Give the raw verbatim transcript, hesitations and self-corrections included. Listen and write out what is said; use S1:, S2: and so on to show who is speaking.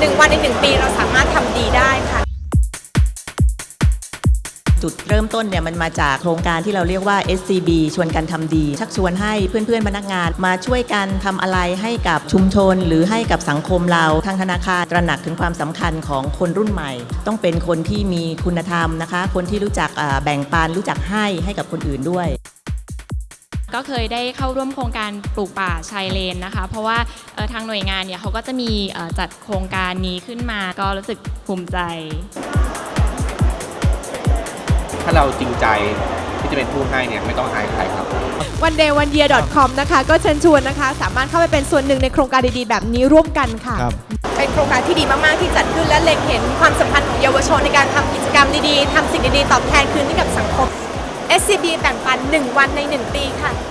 S1: หนึ่งวันในหนึ่งปีเราสามารถทำดีได้ค่ะ
S2: จุดเริ่มต้นเนี่ยมันมาจากโครงการที่เราเรียกว่า เอส ซี บี ชวนกันทำดีชักชวนให้เพื่อนๆพนักงานมาช่วยกันทำอะไรให้กับชุมชนหรือให้กับสังคมเราทางธนาคารตระหนักถึงความสำคัญของคนรุ่นใหม่ต้องเป็นคนที่มีคุณธรรมนะคะคนที่รู้จักแบ่งปันรู้จักให้ให้กับคนอื่นด้วย
S3: ก็เคยได้เข้าร่วมโครงการปลูกป่าชายเลนนะคะเพราะว่าทางหน่วยงานเนี่ยเขาก็จะมีจัดโครงการนี้ขึ้นมาก็รู้สึกภูมิใจ
S4: ถ้าเราจริงใจที่จะเป็นผู้ให้เนี่ยไม่ต้องอายใครครับ
S1: วันเดย์วันเยียร์ ดอท คอม นะคะก็เชิญชวนนะคะสามารถเข้าไปเป็นส่วนหนึ่งในโครงการดีๆแบบนี้ร่วมกันค่ะเป็นโครงการที่ดีมากๆที่จัดขึ้นและเล็งเห็นความสำคัญของเยาวชนในการทำกิจกรรมดีๆทำสิ่งดีๆตอบแทนคืนให้กับสังคม เอส ซี บี แบ่งปันหนึ่งวันในหนึ่งปีค่ะ